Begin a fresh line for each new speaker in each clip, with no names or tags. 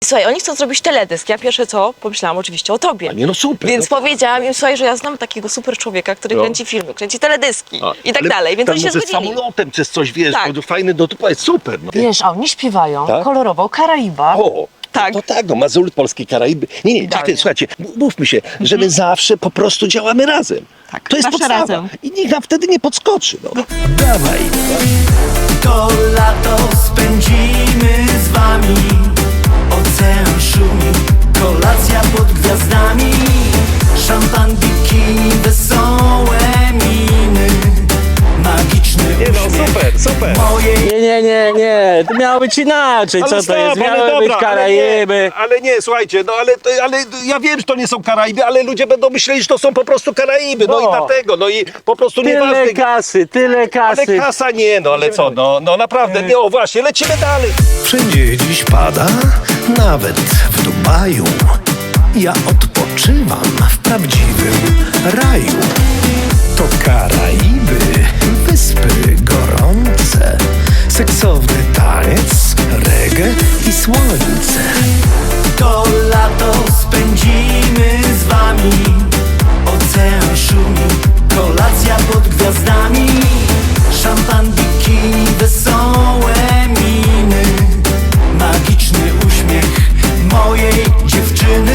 słuchaj, oni chcą zrobić teledysk. Ja pierwsze co pomyślałam oczywiście o tobie.
A nie, no super.
Więc
no.
powiedziałam im, słuchaj, że ja znam takiego super człowieka, który kręci filmy, kręci teledyski i tak
Ale
dalej. Więc
tam
oni się
może
zgodzili.
samolotem, czy coś, wiesz,
Tak.
to fajny, no to jest super. No.
Wiesz, a oni śpiewają
Tak?
kolorowo o Karaibach.
O,
Tak.
no tak, no Mazury, polskie Karaiby. Nie,
Idealnie.
czekaj, słuchajcie, mówmy się, że my zawsze po prostu działamy razem.
Tak,
To jest
zawsze
podstawa.
razem.
I nikt nam wtedy nie podskoczy. No. Dawaj.
To lato spędzimy z wami. Ocean szumi, kolacja pod gwiazdami. Szampan, bikini, wesołe miny. Magiczny uśmiech
super.
mojej
Nie, to miało być inaczej, co to jest? Miały być Karaiby.
Ale nie, słuchajcie, no ale ja wiem, że to nie są Karaiby, ale ludzie będą myśleli, że to są po prostu Karaiby, no i
No.
dlatego, no i po prostu nieważne.
Tyle
Ale
kasy.
kasa nie, no ale co, no naprawdę, nie, o właśnie, lecimy dalej.
Wszędzie dziś pada, nawet w Dubaju. Ja odpoczywam w prawdziwym raju. To Karaiby, wyspy gorące, seksowny taniec, reggae i słońce.
To lato spędzimy z wami. Ocean szumi, kolacja pod gwiazdami. Szampan, bikini, wesołe miny. Magiczny uśmiech mojej dziewczyny.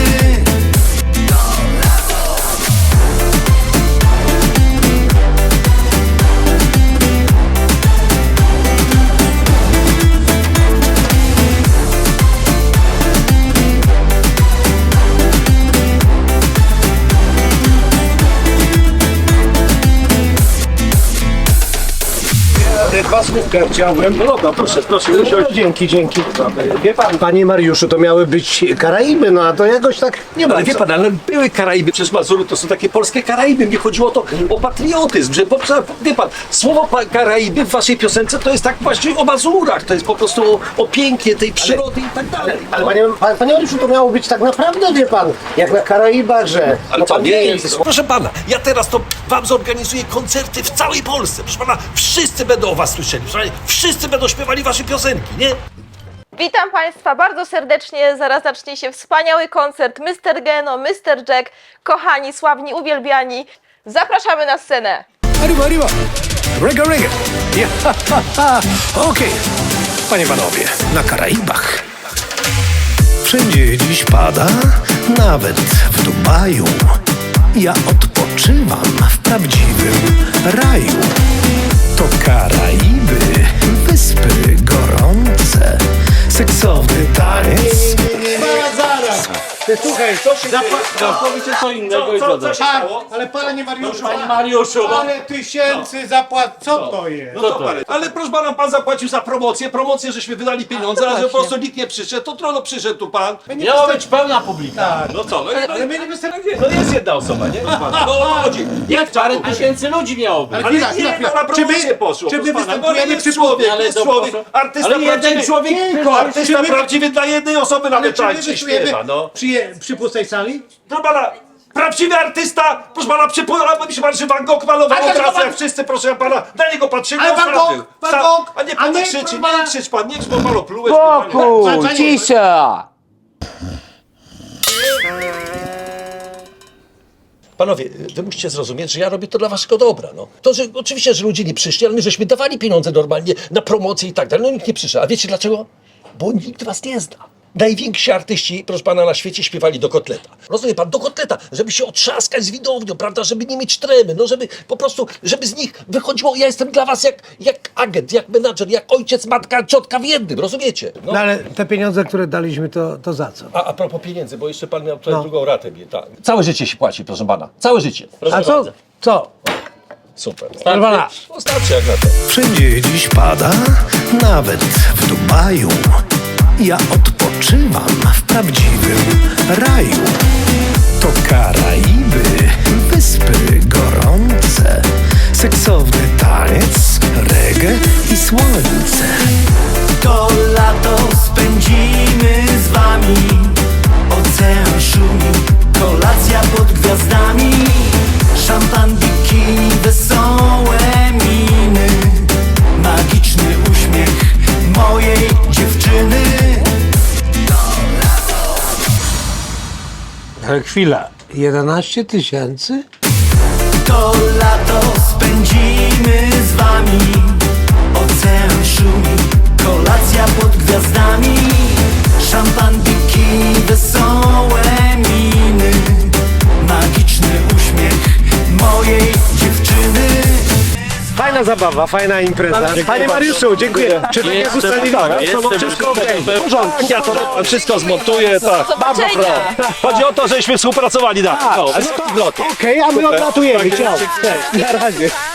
Dwa słówka chciałem. No dobra, proszę usiąść.
Dzięki. Wie pan, panie Mariuszu, to miały być Karaiby, no a to jakoś tak nie ma.
Ale wie pan, ale były Karaiby, przecież Mazury to są takie polskie Karaiby. Mnie chodziło o patriotyzm, że wie pan, słowo Karaiby w waszej piosence to jest tak właśnie o Mazurach, to jest po prostu o pięknie tej przyrody i tak dalej.
Ale panie Mariuszu, to miało być tak naprawdę, wie pan, jak na Karaibach, że...
Ale
no
co,
pan
nie
wie,
jest. Proszę pana, ja teraz to wam zorganizuję koncerty w całej Polsce. Proszę pana, wszyscy będą o was słyszeli. Proszę pana, wszyscy będą śpiewali wasze piosenki, nie?
Witam Państwa bardzo serdecznie. Zaraz zacznie się wspaniały koncert Mr. Geno, Mr. Jack. Kochani, sławni, uwielbiani. Zapraszamy na scenę.
Arriba. Reggae. Okej. Panie panowie, na Karaibach. Wszędzie dziś pada, nawet w Dubaju. Ja odpoczywam w prawdziwym raju. To Karaiby, wyspy gorące, seksowny taniec.
Zaraz! Ty słuchaj,
Całkowicie co innego i co
się stało?
ale panie Mariuszu,
Panie Mariuszu, no.
ale tysięcy zapłat, co to jest?
No to ale proszę pana, pan zapłacił za promocję, żeśmy wydali pieniądze, a że po prostu nikt nie przyszedł, to trudno przyszedł tu pan.
Miała być pełna publika.
No co,
Ale my nie wystarczy.
no jest jedna osoba, nie? Proszę pana, no o to chodzi.
Jak parę tysięcy ludzi miało być.
Ale nie, no na promocję poszło.
Czy my
proszę pana.
występujemy
No, jest
przy
człowiek,
ale
jest
to
człowiek,
proszę.
artysta
Ale jeden
prawdziwy.
człowiek
Tylko,
Artysta
czy my-
prawdziwy dla jednej osoby nawet tańczy i
Czujemy
śpiewa, no.
przy pustej sali?
Proszę pana, prawdziwy artysta, proszę pana, przypomniał się pan, że Van Gogh malował
Ale
obrazy,
pan-
jak wszyscy, proszę pana, na niego patrzyli,
Ale
on
Van
sprawdził.
Gogh, Van Gogh,
A nie
a
pan
nie,
krzyczy,
proszę pana-
nie krzycz pan, nie krzycz, bo panu plułeś.
Panie-
cisza!
Panowie, wy musicie zrozumieć, że ja robię to dla waszego dobra, no. To, że oczywiście, że ludzie nie przyszli, ale my żeśmy dawali pieniądze normalnie na promocję i tak dalej, no nikt nie przyszedł. A wiecie dlaczego? Bo nikt was nie zna. Najwięksi artyści, proszę pana, na świecie śpiewali do kotleta. Rozumie pan, do kotleta, żeby się otrzaskać z widownią, prawda, żeby nie mieć tremy, no żeby po prostu, żeby z nich wychodziło, ja jestem dla was jak agent, jak menadżer, jak ojciec, matka, ciotka w jednym, rozumiecie? No.
No ale te pieniądze, które daliśmy, to za co?
A propos pieniędzy, bo jeszcze pan miał tutaj drugą ratę, tak. Całe życie się płaci, proszę pana, całe życie. Proszę
A co? Co?
Super.
Proszę pana,
No starczy jak na to.
Wszędzie dziś pada, nawet w Dubaju. Ja odpoczywam w prawdziwym raju. To Karaiby, wyspy gorące, seksowny taniec, reggae i słońce.
To lato spędzimy z wami. Ocean szumi, kolacja pod gwiazdami. Szampan, bikini, wesołe miny. Magiczny uśmiech mojej dziewczyny. To lato
Chwila, 11 tysięcy?
To lato spędzimy z wami. Ocean szumi, kolacja pod gwiazdami. Szampan, bikini, wesołe miny. Magiczny uśmiech mojej dziewczyny.
Fajna zabawa, fajna impreza. Panie Mariuszu, dziękuję. Czy tak jak ustaliliśmy, to wszystko okej?
W porządku, ja to wszystko zmontuję, tak.
Zobaczenia.
Chodzi o to, żeśmy współpracowali, tak. No,
Okej, a my odlatujemy. Ciao. Na razie.